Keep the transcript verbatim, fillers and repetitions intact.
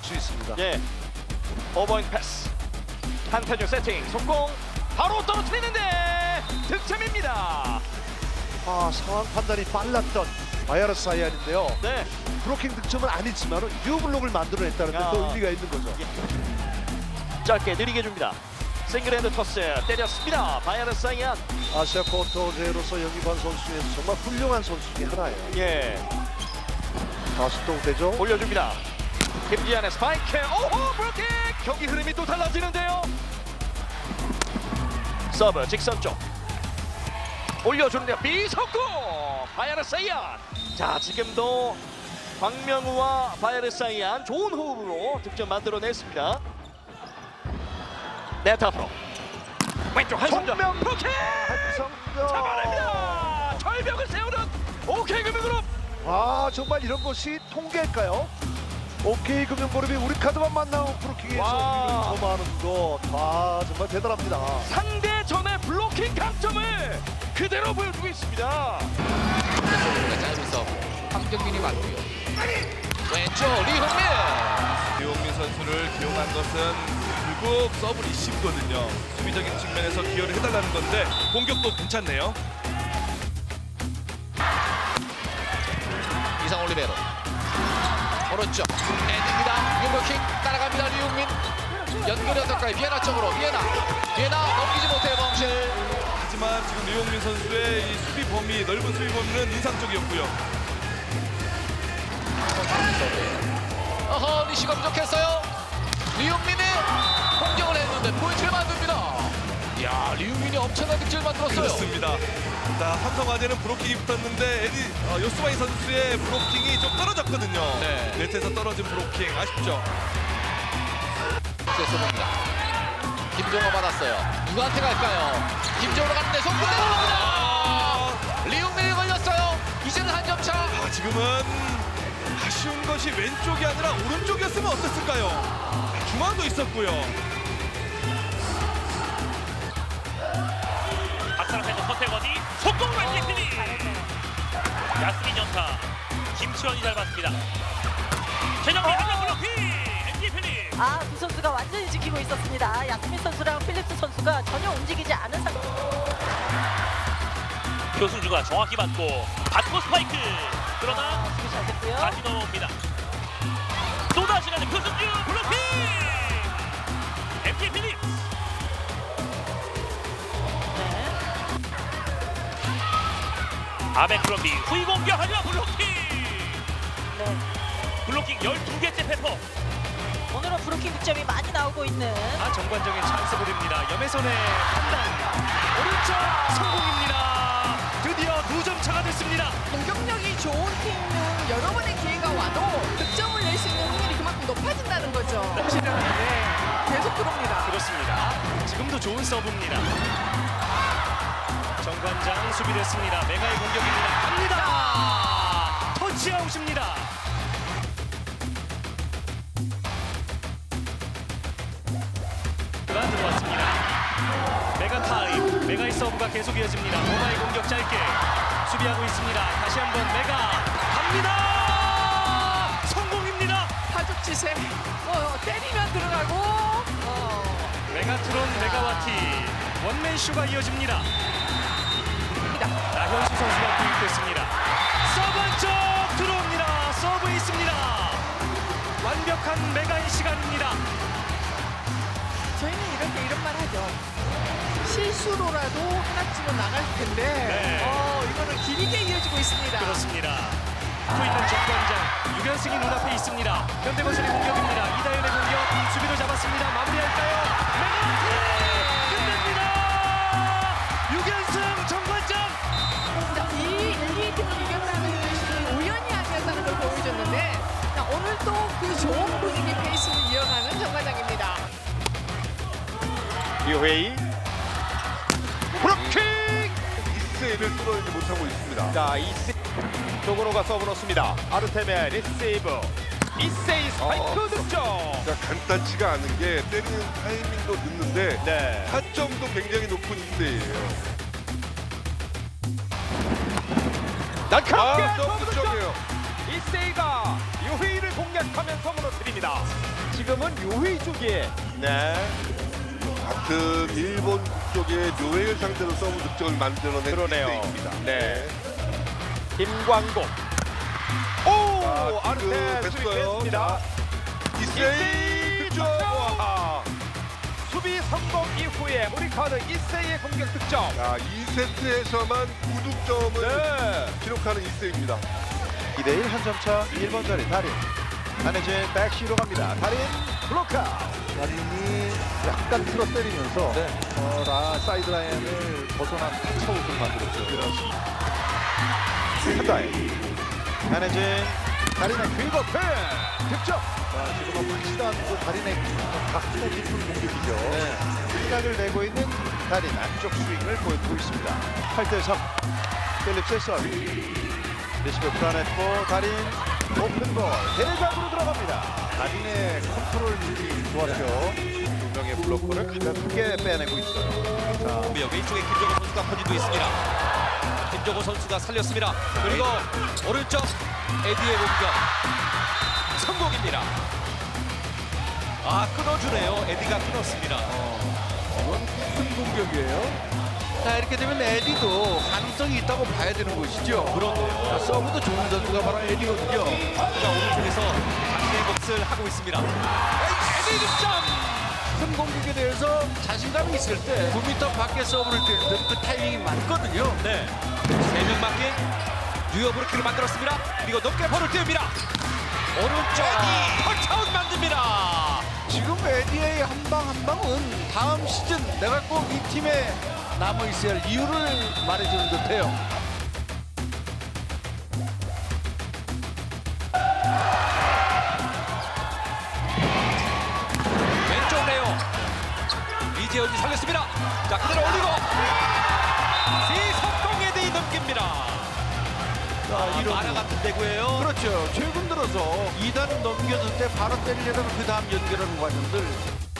수 있습니다. 예. 오버행 패스. 한태준 세팅. 속공. 바로 떨어뜨리는데 득점입니다. 아, 상황 판단이 빨랐던 바이아르스 사이안인데요. 네. 브로킹 득점은 아니지만 뉴블록을 만들어냈다는 데 야. 또 의미가 있는 거죠. 짧게 느리게 줍니다. 싱글핸드 토스 때렸습니다. 바이아르스 사이안. 아시아 쿼터제로서 영입한 선수 중에서 정말 훌륭한 선수 중에 하나예요. 예. 다시 또 되죠. 올려줍니다. 김지한의 스파이크. 오호 브로킹. 경기 흐름이 또 달라지는데요. 서브 직선 쪽. 올려주는데요. 비속구. 바이아르스 사이안. 자 지금도 광명우와 바이아르스 사이안 좋은 호흡으로 득점 만들어냈습니다. 네트 앞으로. 왼쪽 한성전. 정면. 브로킹. 한성전. 잡아냅니다. 절벽을 세우는 오케이금융그룹. 아, 정말 이런 것이 통계일까요? 오케이 금융그룹이 우리 카드만 만나고 브로킹에서 와. 점하는 거, 아 정말 대단합니다. 상대전의 블로킹 강점을 그대로 보여주고 있습니다. 짧은 서브 황정민이 맞고요. 왼쪽 리홍민. 이용민 선수를 기용한 것은 결국 서브 리시브거든요. 수비적인 측면에서 기여를 해달라는 건데 공격도 괜찮네요. 이상 올리베로 오른쪽 엔드입니다. 유로킹 따라갑니다. 리홍민 연결이 어떨까요? 비에나 쪽으로 비에나 비에나 넘기지 못해요. 멍실. 하지만 지금 이용민 선수의 이 수비 범위, 넓은 수비 범위는 인상적이었고요. 어허 리시가 부족했어요. 리홍민이 공격을 했는데 포인트를 만듭니다. 이야 리홍민이 엄청난 득점을 만들었어요. 그렇습니다. 자, 삼성화재는 브로킹이 붙었는데 에디 어, 요스바이 선수의 브로킹이 좀 떨어졌거든요. 네. 네트에서 떨어진 브로킹 아쉽죠. 쏘봅니다. 김종호 받았어요. 누구한테 갈까요? 김종호로 갔는데 손 그대로 갑니다. 리홍민이 걸렸어요. 이제는 한 점 차. 아, 지금은 아쉬운 것이 왼쪽이 아니라 오른쪽이었으면 어땠을까요? 중앙도 있었고요. 박사람에서 서태원이 속공 왼쪽 피니 야스민 연타 김치원이 잘 봤습니다. 최정민 한명 블로킹 엠지 피니. 아, 두 선수가 완전히 지키고 있었습니다. 야스민 선수랑 필립스 선수가 전혀 움직이지 않은 상태. 교승주가 정확히 받고 받고 스파이크 그러나 수비 잘 됐고요. 다시 넘어옵니다. 또다시 가는 교승주 블로킹 엠지 피니. 네. 아베크롬비 후위 공격하지만 블로킹. 네. 블로킹 열두 개째 페퍼. 오늘은 브로킹 득점이 많이 나오고 있는 아, 정관적인 찬스 볼입니다. 염혜선의 판단 오른쪽 성공입니다. 드디어 두 점 차가 됐습니다. 공격력이 좋은 팀은 여러 번의 기회가 와도 득점을 낼 수 있는 확률이 그만큼 높아진다는 거죠. 확실하게 계속 들어옵니다. 그렇습니다. 지금도 좋은 서브입니다. 정관장 수비됐습니다. 메가의 공격입니다. 갑니다. 터치아웃입니다. 가 들어왔습니다. 메가 타임. 메가의 서브가 계속 이어집니다. 모마의 공격 짧게 수비하고 있습니다. 다시 한번 메가 갑니다. 성공입니다. 파죽지세 어, 때리면 들어가고 어, 메가트론 메가와티 원맨쇼가 이어집니다. 나현수 선수가 투입됐습니다. 서브 쪽 들어옵니다. 서브 있습니다. 완벽한 메가의 시간입니다. 저희는 이렇게 이런 말 하죠. 실수로라도 하나쯤은 나갈 텐데 네. 어, 이거는 길게 이어지고 있습니다. 그렇습니다. 또 있는 정관장 유견승이 눈앞에 있습니다. 현대건설의 공격입니다. 이다현의 공격 수비도 잡았습니다. 마무리할까요? 메가와티 끝냅니다. 유견승 정관장. 자, 이 일, 이 팀을 이겼다는 것이 우연이 아니었다는 걸 보여줬는데 자, 오늘 또 그 좋은 분위기 페이스를 이어가는 정과장입니다. 이회이 브로킹. 이세이를 뚫어내지 못하고 있습니다. 자 이세 조건호가 서브 넣습니다. 아르테메 리세이브. 이세이 스파이크 득점. 자, 간단치가 않은 게 때리는 타이밍도 늦는데 네. 타점도 굉장히 높은 이세이예요. 날카롭게 아, 서브 서브 득점. 득점이에요. 이세이가 유회이를 공략하면서 무너뜨립니다. 지금은 요회 쪽에 네. 같은 일본 쪽의 묘회를 상대로 서브 득점을 만들어낸 그러네요. 이세이입니다. 네. 김광국. 오! 자, 아르테 지금 수비 됐어요. 뺐습니다. 이세이 득점. 와. 수비 성공 이후에 우리 카드 이세이의 공격 득점. 자, 이 세트에서만 구 득점을 네. 기록하는 이세이입니다. 이 대 일 한 점 차 일 번 자리 달인. 한혜진 백시로 갑니다. 달인 블로커. 달인이 약간 틀어 때리면서 어, 라 사이드 라인을 벗어난 타차웃을 만들었죠. 그렇습니다. 한다인. 한혜진 달인의 퀵어펜 득점. 자, 지금은 확실한 달인의 각도 깊은 공격이죠. 시각을 내고 있는 달인 안쪽 스윙을 보여주고 있습니다. 팔 대 삼. 필립스의 서브. 리시브 불안했고 달인 오픈볼 대각으로 들어갑니다. 달인의 컨트롤 이 좋았죠. 두 명의 블로커를 가볍게 빼내고 있어요. 자, 왼쪽에 김정호 선수가 퍼지고 있습니다. 김정호 선수가 살렸습니다. 그리고 오른쪽 에디의 공격 성공입니다. 아 끊어주네요. 에디가 끊었습니다. 이건 큰 공격이에요. 자, 이렇게 되면 에디도 가능성이 있다고 봐야 되는 것이죠. 그런데요. 자, 서브도 좋은 선수가 바로 에디거든요. 자 오른쪽에서 자신의 몫을 하고 있습니다. 에디 득점. 큰 공격에 대해서 자신감이 있을 때 구 미터 밖에 서브를 뛸 때 그 타이밍이 맞거든요. 네. 세 명 맞게 뉴욕 브루키를 만들었습니다. 그리고 높게 볼을 띄웁니다. 오른쪽 에디 터치아웃 만듭니다. 지금 에디의 한 방 한 방은 다음 시즌 내가 꼭 이 팀에 남아 있어야 할 이유를 말해주는 듯해요. 왼쪽 레오 이재현이 살렸습니다. 자 그대로 올리고 시석공 에디 넘깁니다. 자 이런 만화 같은 대구예요. 그렇죠. 최근 들어서 이 단 넘겨줄 때 바로 때리려다가 그 다음 연결하는 과정들